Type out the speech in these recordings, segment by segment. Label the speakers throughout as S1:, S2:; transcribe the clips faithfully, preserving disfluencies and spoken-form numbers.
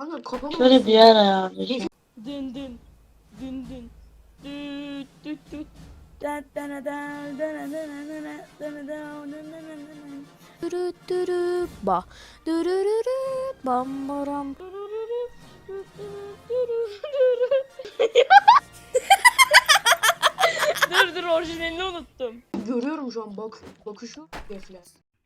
S1: Kanka kafama
S2: Şöyle bir yer ayarlayacağım.
S3: Dın dın. Dın dın. Düt düt düt. Dürü dürü ba. Dürürürü bam baram. Dur dur orijinalini unuttum.
S1: görüyorum şu an bak bakışı defle.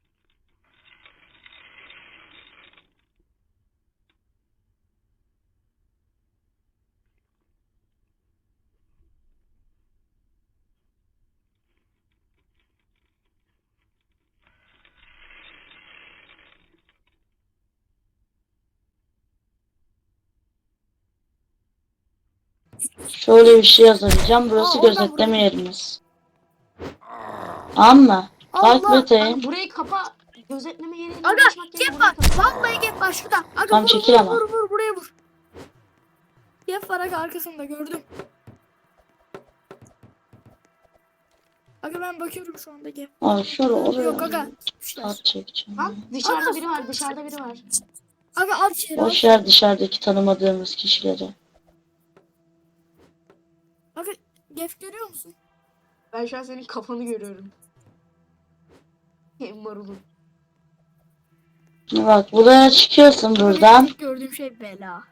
S2: Şöyle bir şey yazacağım. Burası
S1: Aa, oradan
S2: gözetleme
S1: buraya-
S2: yerimiz. Ama bak
S1: Allah!
S2: Beta'yı
S1: Kanka burayı kapa. Gözetleme yerine
S3: Aga
S1: uğraşmak yerine
S3: gep
S1: burayı
S3: var.
S1: kapa.
S3: Vallahi gep var şurada. Aga
S2: Tam
S3: vur
S2: çekil
S3: vur,
S2: ama.
S3: vur vur buraya vur. Gep var aga arkasında gördüm. Aga ben bakıyorum şu anda gep.
S2: Aa, şöyle oraya
S3: Yok aga. Düşler.
S2: at çekeceğim.
S1: Lan dışarıda
S3: Aga.
S1: biri var, dışarıda biri var.
S3: Aga al içeri al.
S2: Boş yer dışarıdaki tanımadığımız kişileri.
S3: Aga gep görüyor musun?
S1: Ben şu an senin kafanı görüyorum. Hem marulun.
S2: Bak buraya çıkıyorsun buradan.
S3: İlk gördüğüm şey bela.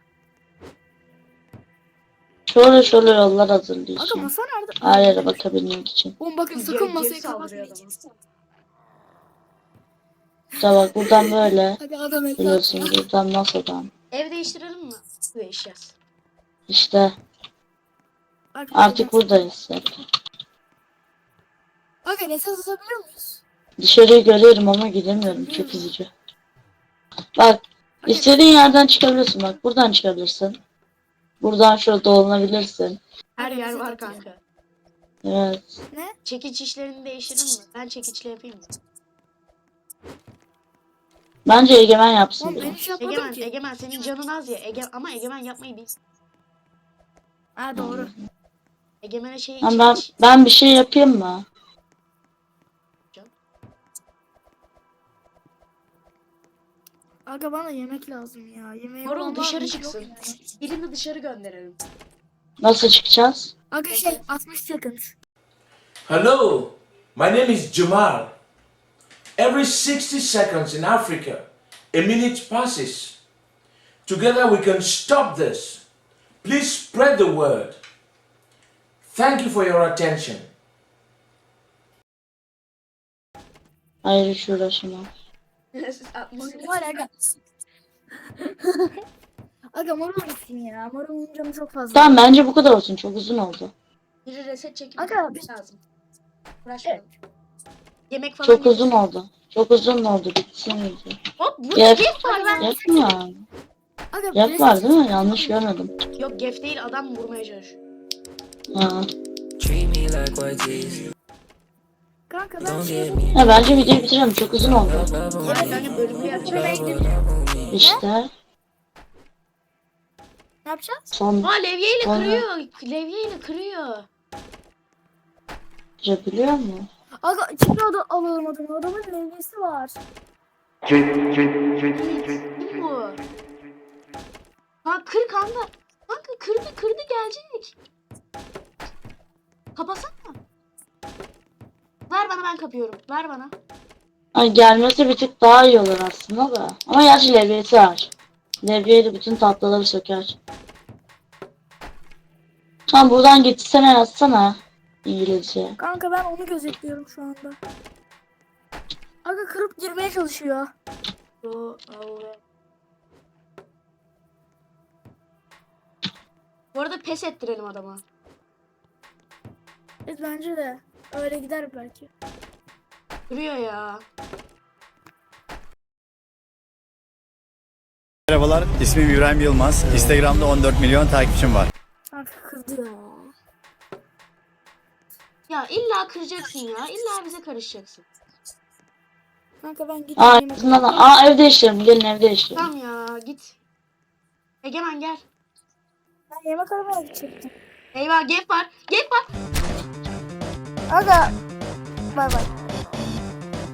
S2: Şöyle şöyle yollar
S3: Aga
S2: hazırlayacağım.
S3: masa nerede?
S2: Her yere bakabilmek için.
S3: Oğlum bakın
S1: Gel-
S3: sakın
S1: gel
S3: masayı
S1: saldırıyor
S3: kapatmayın.
S2: İşte bak buradan böyle.
S3: Aga adam el
S2: Biliyorsun
S3: atıyor.
S2: buradan masadan.
S1: Ev değiştirelim mi? Değişeceğiz.
S2: İşte
S3: Aga,
S2: artık buradayız. Hep.
S3: Aga reset atabiliyor muyuz?
S2: Dışarıyı görüyorum ama gidemiyorum. Çok üzücü. Bak istediğin yerden çıkabilirsin. Bak buradan çıkabilirsin. Buradan şöyle dolanabilirsin.
S1: Her
S3: Aga,
S1: yer
S3: reset
S1: var
S3: atıyor.
S1: kanka.
S2: Evet.
S3: Ne?
S1: Çekiç işlerini değiştirelim mi? Ben çekiçle yapayım mı?
S2: Bence Egemen yapsın
S3: Oğlum ben
S2: bunu.
S3: hiç yapmadım
S1: Egemen,
S3: ki.
S1: Egemen senin canın az ya. Ege ama Egemen yapmayı bil.
S3: Ha doğru.
S1: Egemen'e şey
S2: Ha, ben,
S1: çekiç.
S2: ben bir şey yapayım mı?
S3: Aga bana yemek lazım ya. Yemeği
S1: Marul
S3: olan
S1: dışarı
S3: var mı?
S1: çıksın.
S3: Yok ya.
S1: Birini dışarı gönderelim.
S2: Nasıl çıkacağız?
S3: Aga şey altmış seconds.
S4: Hello, my name is Jamal. Every sixty seconds in Africa, a minute passes. Together we can stop this. Please spread the word. Thank you for your attention.
S2: Hayır hiç uğraşamam.
S3: Var aga. Aga marul gitsin ya. Marulun canı çok fazla.
S2: Tamam bence bu kadar olsun. Çok uzun oldu.
S1: Biri reset çekip
S3: Aga, bir-
S1: lazım. Uğraşmayalım. Yemek falan
S2: Çok
S1: getirsin.
S2: uzun oldu. Çok uzun oldu. Bitsin iyice.
S1: Hop burada
S2: Gef.
S1: gef var lan.
S2: Gef mi yani?
S3: Aga
S2: Gef
S3: reset-
S2: var değil mi? Yanlış görmedim.
S1: Yok gef değil adam vurmaya çalışıyor.
S2: Ha.
S5: Treat me like white teeth.
S3: Kanka ben
S5: Don't
S3: şey
S5: get me
S2: Ya bence videoyu bitirelim. Çok uzun oldu.
S1: Evet kanka bölümü yapacağız.
S2: İşte
S3: ne yapacağız?
S2: son
S1: Aa levyeyle
S2: Sonra-
S1: kırıyor. Levyeyle kırıyor.
S2: biliyor mu?
S3: Aga içinde adı alalım adamı. Adamın levgisi var.
S1: Kim bu? Ha kır kanka. Kanka kırdı kırdı gelecek. Kapasana. Ver bana ben kapıyorum. Ver bana.
S2: Ay gelmesi bir tık daha iyi olur aslında da. Ama gerçi levyesi var. Levyeyle bütün tatlıları söker. Tamam buradan gitsene yazsana. İngilizce.
S3: Kanka ben onu gözetliyorum şu anda. Aga kırıp girmeye çalışıyor.
S1: Yo, au ve- Bu arada pes ettirelim adama.
S3: Evet bence de. Öyle gider belki.
S1: Kırıyor ya.
S6: Merhabalar, ismim İbrahim Yılmaz. Instagram'da on dört milyon takipçim var.
S3: Kanka kızdı ya.
S1: Ya illa kıracaksın ya. İlla bize karışacaksın.
S3: Kanka ben
S2: Aa,
S3: gideyim.
S2: aslında da- aa evde yaşıyorum. Gelin evde yaşıyorum.
S1: Tamam ya git. Egemen gel.
S3: Ben yemek aramaya gidecektim.
S1: Eyvah gap var. Gap var.
S3: Aga. Bay bay.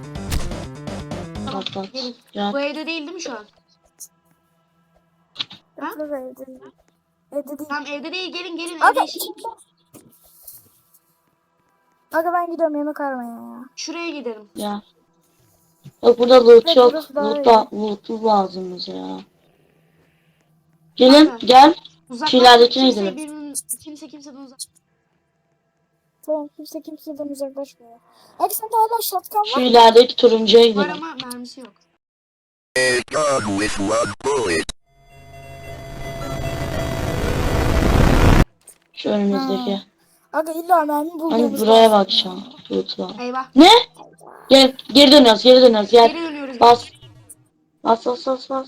S1: Tamam
S2: Bak, bak.
S1: gelin.
S2: Gel.
S1: Bu evde değil değil mi şu an? Ha?
S3: Yok aga evde değil. Evde değil.
S1: Tamam evde değil, gelin gelin
S3: Aga,
S1: evde iş-
S3: aga ben gidiyorum yemek aramaya ya.
S1: Şuraya gidelim.
S2: Ya. Bak burada loot
S3: Evet,
S2: yok.
S3: burası daha
S2: Loot,
S3: iyi.
S2: da, loot lazım bize ya. Gelin
S1: Aynen.
S2: gel.
S1: Uzaklaşma,
S2: ileridekine
S1: kimse
S2: gidelim.
S1: birbirinin, kimse kimseden uzak.
S3: Tamam kimse kimseden uzaklaşmıyor. Aga sende hala şatkan
S2: Şu
S3: var mı?
S2: ilerideki turuncuya
S1: Var
S2: gidelim.
S1: ama mermisi yok.
S2: Şu önümüzdeki.
S3: Aga illa mermi
S2: Hani
S3: bulduğumuz
S2: buraya
S3: lazım
S2: bak şu
S3: ya.
S2: an. Loot'la.
S1: Eyvah.
S2: Ne? Gel geri dönüyoruz geri dönüyoruz gel.
S1: Geri dönüyoruz.
S2: Bas. Bas bas bas bas.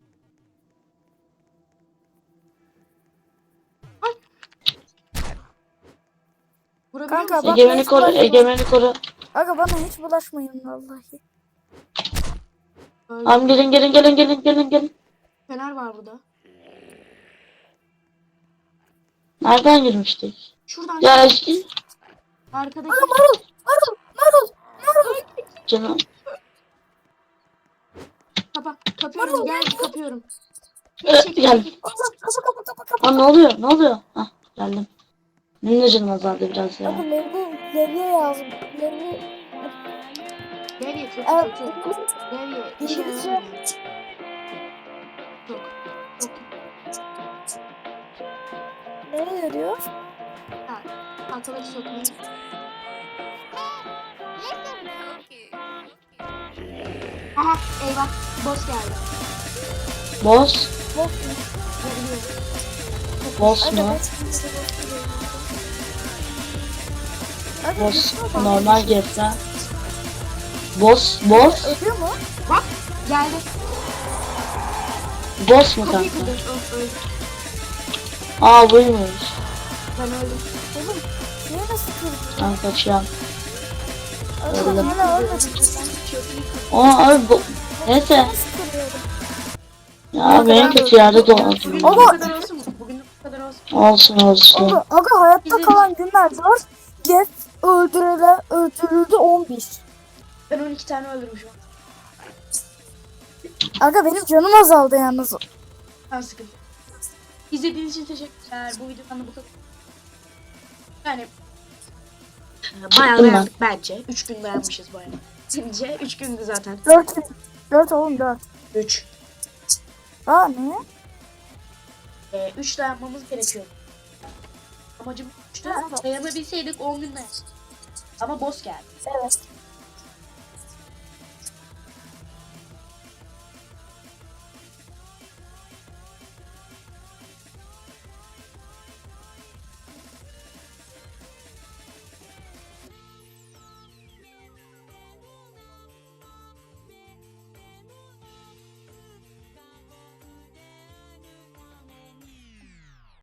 S1: Vurabiliyor
S3: Kanka
S1: musun?
S3: bak
S2: Egemeni
S3: hiç
S2: koru
S3: bulaşmayın.
S2: egemeni koru.
S3: Aga bana hiç bulaşmayın vallahi.
S1: Öldü.
S2: Tamam gelin gelin gelin gelin gelin gelin.
S1: Fener var burada.
S2: Nereden girmiştik?
S1: Şuradan
S2: Ya
S1: çık.
S2: işte
S1: Arkadaki.
S3: Marul! Marul! Marul! Marul!
S2: canım.
S1: Kapa. Kapıyorum. Gel kapıyorum.
S2: Ee,
S1: Çekil,
S2: gel.
S1: çekil.
S3: Aga kapa kapa kapa kapa.
S2: Aa ne oluyor ne oluyor? Hah geldim. Benim de canım azaldı biraz
S3: Aga
S2: ya.
S3: levye, levye yazdım. Levye...
S1: Levye kötü
S3: Evet.
S1: kötü. Levye işe
S3: İngilizce.
S1: yaramıyor. Çok. Çok.
S3: Nereye diyor?
S1: Ha. Tahtaları sökmeyi. Aha eyvah. Boss geldi.
S2: Boss.
S3: Bok.
S1: Geliyor.
S2: Boss
S3: Aga
S2: mu?
S3: ben şimdi Aga
S2: Boss
S3: düşüyor mu?
S2: normal geçsen. Boss boss.
S3: Ölüyor mu?
S1: Bak geldi.
S2: Boss mu
S1: Kapıyı
S2: kanka?
S1: kırdı. Öf öldü.
S2: Aa buymuş.
S1: Ben öldüm.
S3: Oğlum niye nasıl kırdın?
S2: Ben kaçıyorum.
S3: Aga
S2: Öldüm.
S3: hala ölmedin sen.
S2: Aa abi bu. Neyse.
S3: Nasıl kırıyordun?
S2: Ya benim kötü yerde
S1: Bugün
S2: doğdum.
S1: de bu kadar olsun mu? Bugün de bu kadar olsun.
S2: Olsun olsun.
S3: Aga, aga hayatta
S1: Bizim-
S3: kalan günler var. Jeff öldürüle, öldürüldü on bir.
S1: Ben on iki tane öldürmüşüm.
S3: Aga benim canım azaldı yalnız.
S1: Ben sıkıntı. İzlediğiniz için teşekkürler. Bu videodan da bu kadar. Yani bayağı
S2: Çıktım ben.
S1: dayandık bence. üç gün dayanmışız bayağı. Bence üç gündü zaten.
S3: dört dört oğlum dört.
S1: üç.
S3: Aa ne?
S1: Ee, üç dayanmamız gerekiyor. Amacım üçte dayanabilseydik on gün dayan. Ama boss geldi.
S3: Evet.